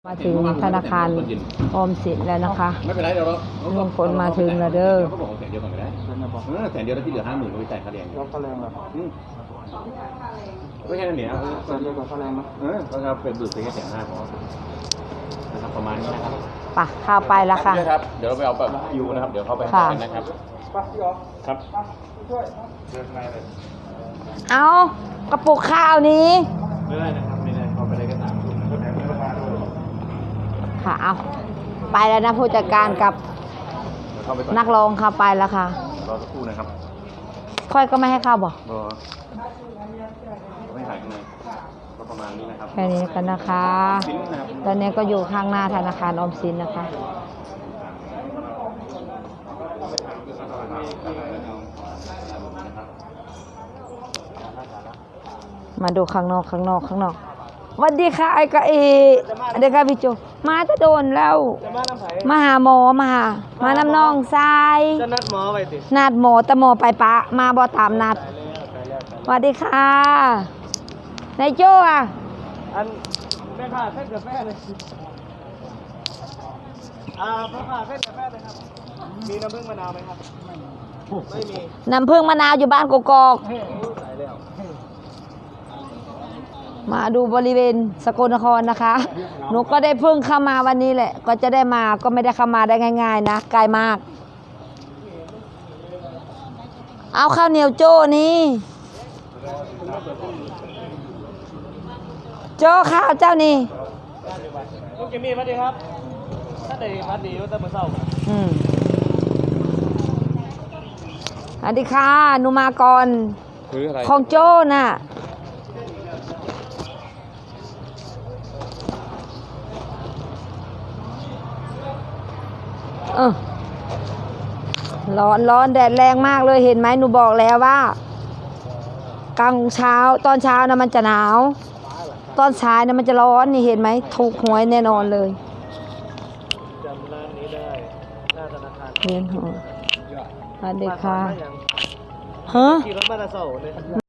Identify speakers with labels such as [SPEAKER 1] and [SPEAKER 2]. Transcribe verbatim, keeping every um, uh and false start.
[SPEAKER 1] มาถึงธนาคารออมสินแล้วนะคะ
[SPEAKER 2] ไม่เป็นไรเดี๋ยวเรา
[SPEAKER 1] ลุงพลมาถึงแล้วเด้อ
[SPEAKER 2] เขาบอกแสนเดียวก่อนก็ได้เออแสนเดียวแล้วที่เหลือห้าหมื่นก็ไปจ่ายค่าแรง
[SPEAKER 3] แล้วค่าแรงเหรอ
[SPEAKER 2] อืมไม่ใช่เนี่ย
[SPEAKER 3] แสนเดียวกับค่าแรงนะ
[SPEAKER 2] เออเราจะเป็นบุตรไปแค่แสนห้าพอนะครับประมาณนี้นะครับ
[SPEAKER 1] ปะข้าวไปแล้วค่ะ
[SPEAKER 2] ครับเดี๋ยวเราไปเอาแบบยูนะครับเดี๋ยวเข้าไปกันนะครับ
[SPEAKER 3] ป้าพี่อ๋อ
[SPEAKER 2] ครับ
[SPEAKER 3] ช่วยเดินมาเลย
[SPEAKER 1] เอากระปุกข้าวนี้
[SPEAKER 2] ไม่ได้นะครับไม่ได้เข้าไปได้แค่สามคน
[SPEAKER 1] ค่ะเอาไปแล้วนะผู้จัดการกับนักร้องค่ะไปแล้วค่ะ
[SPEAKER 2] รอสักครู่นะครับ
[SPEAKER 1] ค่อยก็ไม่ให้เข้าบอก
[SPEAKER 2] รอไม่ถ่ายข้างในก็ประมาณนี้นะครับ
[SPEAKER 1] แค่นี้กันนะคะตอนนี้ก็อยู่ข้างหน้าธนาคารออมสินนะคะมาดูข้างนอกข้างนอกข้างนอกสวัสดีค่ะไอ้กะเอเด็กค่ะพี่โจมาจะโดนแล้วมาหาหมอมาหามาน้ำน้องทราย
[SPEAKER 3] จะนัดหมอไปติ
[SPEAKER 1] นัดหมอแต่หมอไปปะมาบอตามนัดสวัสดีค่ะนายโจอ่ะ
[SPEAKER 3] อันแม่ค่ะเส้นกาแฟเลยอ่าพ่อค่ะเส้นกาแฟเลยครับมีน้ำผึ้งมะนาวไหมครับไม่มี
[SPEAKER 1] น้ำผึ้งมะนาวอยู่บ้านกกอกมาดูบริเวณสกลนครนะคะหนูก็ได้เพิ่งเข้ามาวันนี้แหละก็จะได้มาก็ไม่ได้เข้ามาได้ง่ายๆนะไกลมากเอาข้าวเหนียวโจ้นี่โจ้ข้าวเจ้านี่
[SPEAKER 3] ลูกเกมี่มาดีครับถ้าได้พัดดีก็จะมาเศร้า
[SPEAKER 1] อืมสวัสดีค่ะหนูมาก่อนของโจ้น่ะเออร้อนร้อนแดดแรงมากเลยเห็นไหมหนูบอกแล้วว่ากลางเช้าตอนเช้านะมันจะหนาวตอนสายนะมันจะร้อนนี่เห็นไหมถูกหวยแน่นอนเลย
[SPEAKER 3] จำร้านนี้ได้หน้าธนาคาร
[SPEAKER 1] เรียนหัวสวัสดีค่ะฮะ
[SPEAKER 3] ขี่รถมาตะเสาเนี่ย